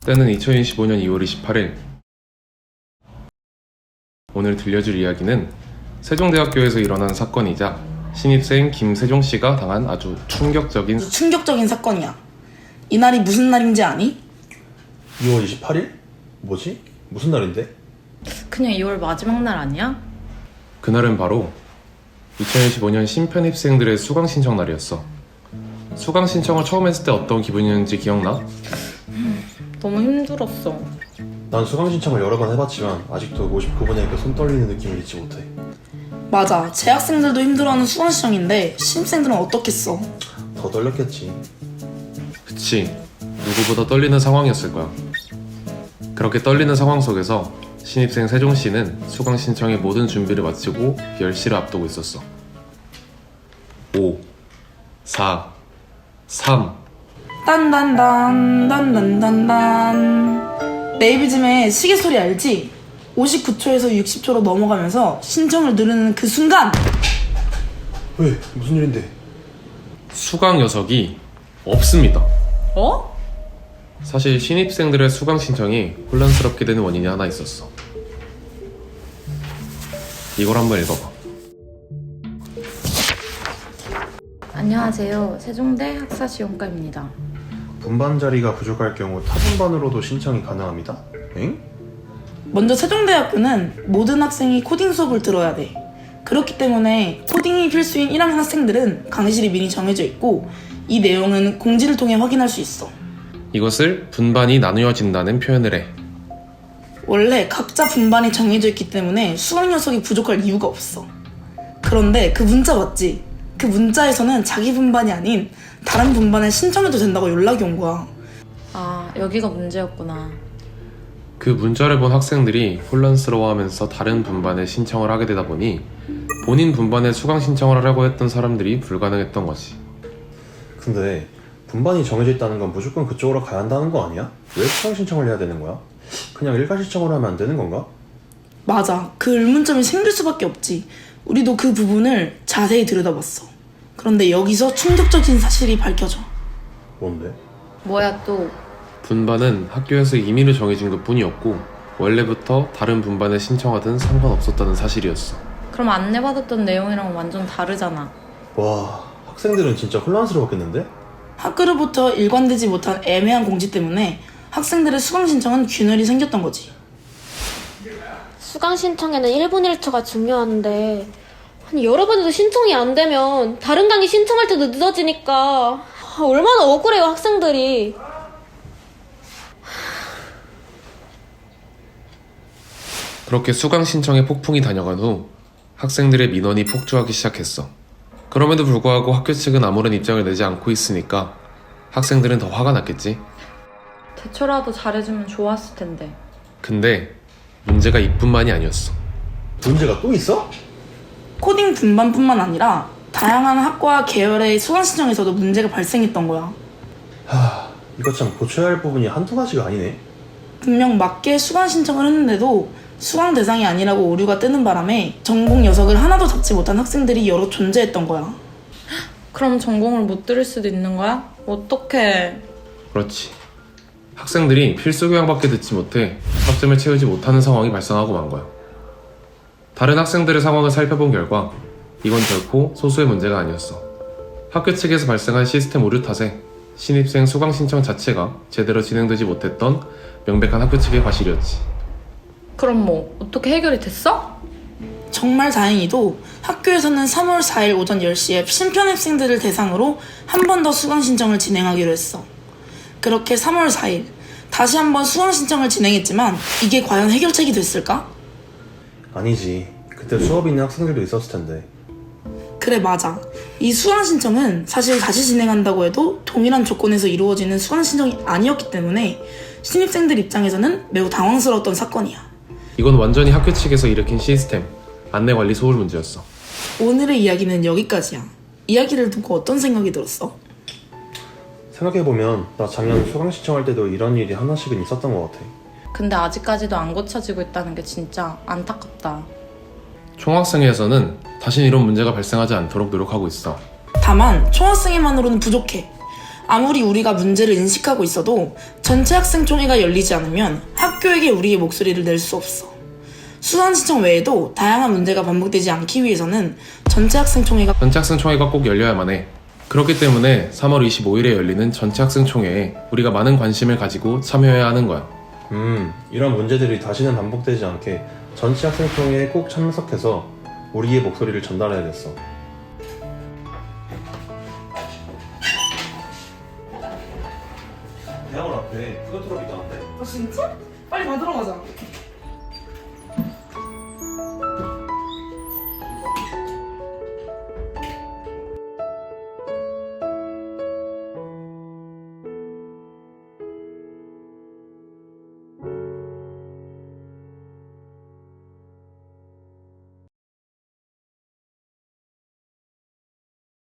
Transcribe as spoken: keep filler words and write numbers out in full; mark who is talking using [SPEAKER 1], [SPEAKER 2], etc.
[SPEAKER 1] 때는 이천이십오년 이월 이십팔일. 오늘 들려줄 이야기는 세종대학교에서 일어난 사건이자 신입생 김세종씨가 당한 아주 충격적인
[SPEAKER 2] 아주 충격적인 사건이야. 이날이 무슨 날인지 아니?
[SPEAKER 3] 이월 이십팔일? 뭐지? 무슨 날인데?
[SPEAKER 4] 그냥 이월 마지막 날 아니야?
[SPEAKER 1] 그날은 바로 이천이십오년 신편입생들의 수강 신청 날이었어. 수강 신청을 처음 했을 때 어떤 기분이었는지 기억나?
[SPEAKER 4] 너무 힘들었어.
[SPEAKER 3] 난 수강 신청을 여러 번 해봤지만 아직도 오십구 번이니까 손 떨리는 느낌을 잊지 못해.
[SPEAKER 2] 맞아. 재학생들도 힘들어하는 수강 시정인데 신입생들은 어떻겠어?
[SPEAKER 3] 더 떨렸겠지.
[SPEAKER 1] 그치, 누구보다 떨리는 상황이었을 거야. 그렇게 떨리는 상황 속에서 신입생 세종씨는 수강 신청의 모든 준비를 마치고 열시를 앞두고 있었어. 오, 사, 삼.
[SPEAKER 2] 딴딴딴 딴딴딴딴. 네이비즘의 시계 소리 알지? 오십구초에서 육십초로 넘어가면서 신청을 누르는 그 순간
[SPEAKER 3] 왜? 무슨 일인데?
[SPEAKER 1] 수강 녀석이 없습니다.
[SPEAKER 4] 어?
[SPEAKER 1] 사실 신입생들의 수강 신청이 혼란스럽게 되는 원인이 하나 있었어. 이걸 한번 읽어봐.
[SPEAKER 4] 안녕하세요. 세종대 학사지원과입니다.
[SPEAKER 3] 분반 자리가 부족할 경우 타분반으로도 신청이 가능합니다. 엥?
[SPEAKER 2] 먼저 세종대학교는 모든 학생이 코딩 수업을 들어야 돼. 그렇기 때문에 코딩이 필수인 일 학년 학생들은 강의실이 미리 정해져 있고 이 내용은 공지를 통해 확인할 수 있어.
[SPEAKER 1] 이것을 분반이 나누어진다는 표현을 해.
[SPEAKER 2] 원래 각자 분반이 정해져 있기 때문에 수강 녀석이 부족할 이유가 없어. 그런데 그 문자 맞지? 그 문자에서는 자기 분반이 아닌 다른 분반에 신청해도 된다고 연락이 온 거야.
[SPEAKER 4] 아, 여기가 문제였구나.
[SPEAKER 1] 그 문자를 본 학생들이 혼란스러워하면서 다른 분반에 신청을 하게 되다 보니 본인 분반에 수강 신청을 하려고 했던 사람들이 불가능했던 거지.
[SPEAKER 3] 근데 분반이 정해져 있다는 건 무조건 그쪽으로 가야 한다는 거 아니야? 왜 수강 신청을 해야 되는 거야? 그냥 일괄 신청을 하면 안 되는 건가?
[SPEAKER 2] 맞아. 그 의문점이 생길 수밖에 없지. 우리도 그 부분을 자세히 들여다봤어. 그런데 여기서 충격적인 사실이 밝혀져.
[SPEAKER 3] 뭔데?
[SPEAKER 4] 뭐야 또?
[SPEAKER 1] 분반은 학교에서 임의로 정해진 것 뿐이었고 원래부터 다른 분반에 신청하든 상관없었다는 사실이었어.
[SPEAKER 4] 그럼 안내받았던 내용이랑 완전 다르잖아.
[SPEAKER 3] 와, 학생들은 진짜 혼란스러웠겠는데?
[SPEAKER 2] 학교로부터 일관되지 못한 애매한 공지 때문에 학생들의 수강 신청은 균열이 생겼던 거지.
[SPEAKER 5] 수강 신청에는 일 분 일 초가 중요한데 아니 여러 번 해도 신청이 안 되면 다른 강의 신청할 때도 늦어지니까 아, 얼마나 억울해요 학생들이.
[SPEAKER 1] 그렇게 수강 신청에 폭풍이 다녀간 후 학생들의 민원이 폭주하기 시작했어. 그럼에도 불구하고 학교 측은 아무런 입장을 내지 않고 있으니까 학생들은 더 화가 났겠지.
[SPEAKER 4] 대처라도 잘해주면 좋았을 텐데.
[SPEAKER 1] 근데 문제가 이뿐만이 아니었어.
[SPEAKER 3] 문제가 또 있어?
[SPEAKER 2] 코딩 분반뿐만 아니라 다양한 학과 계열의 수강 신청에서도 문제가 발생했던 거야.
[SPEAKER 3] 하... 이거 참 고쳐야 할 부분이 한두 가지가 아니네.
[SPEAKER 2] 분명 맞게 수강 신청을 했는데도 수강 대상이 아니라고 오류가 뜨는 바람에 전공 녀석을 하나도 잡지 못한 학생들이 여러 존재했던 거야.
[SPEAKER 4] 그럼 전공을 못 들을 수도 있는 거야? 어떡해.
[SPEAKER 1] 그렇지. 학생들이 필수 교양밖에 듣지 못해 학점을 채우지 못하는 상황이 발생하고 만 거야. 다른 학생들의 상황을 살펴본 결과 이건 결코 소수의 문제가 아니었어. 학교 측에서 발생한 시스템 오류 탓에 신입생 수강 신청 자체가 제대로 진행되지 못했던 명백한 학교 측의 과실이었지.
[SPEAKER 4] 그럼 뭐 어떻게 해결이 됐어?
[SPEAKER 2] 정말 다행히도 학교에서는 삼월 사일 오전 열시에 신편입생들을 대상으로 한 번 더 수강 신청을 진행하기로 했어. 그렇게 삼월 사일 다시 한 번 수강 신청을 진행했지만 이게 과연 해결책이 됐을까?
[SPEAKER 3] 아니지. 그때 수업 있는 학생들도 있었을 텐데.
[SPEAKER 2] 그래, 맞아. 이 수강 신청은 사실 다시 진행한다고 해도 동일한 조건에서 이루어지는 수강 신청이 아니었기 때문에 신입생들 입장에서는 매우 당황스러웠던 사건이야.
[SPEAKER 1] 이건 완전히 학교 측에서 일으킨 시스템, 안내관리 소홀 문제였어.
[SPEAKER 2] 오늘의 이야기는 여기까지야. 이야기를 듣고 어떤 생각이 들었어?
[SPEAKER 3] 생각해보면 나 작년 수강 신청할 때도 이런 일이 하나씩은 있었던 것 같아.
[SPEAKER 4] 근데 아직까지도 안 고쳐지고 있다는 게 진짜 안타깝다.
[SPEAKER 1] 총학생회에서는 다신 이런 문제가 발생하지 않도록 노력하고 있어.
[SPEAKER 2] 다만 총학생회만으로는 부족해. 아무리 우리가 문제를 인식하고 있어도 전체 학생총회가 열리지 않으면 학교에게 우리의 목소리를 낼 수 없어. 수강 신청 외에도 다양한 문제가 반복되지 않기 위해서는 전체 학생총회가
[SPEAKER 1] 전체 학생총회가 꼭 열려야만 해. 그렇기 때문에 삼월 이십오일에 열리는 전체 학생총회에 우리가 많은 관심을 가지고 참여해야 하는 거야.
[SPEAKER 3] 음, 이런 문제들이 다시는 반복되지 않게 전체 학생총회에 꼭 참석해서 우리의 목소리를 전달해야겠어. 대학원 앞에 푸드트럭 있다는데?
[SPEAKER 2] 아 진짜? 빨리 받으러 가자.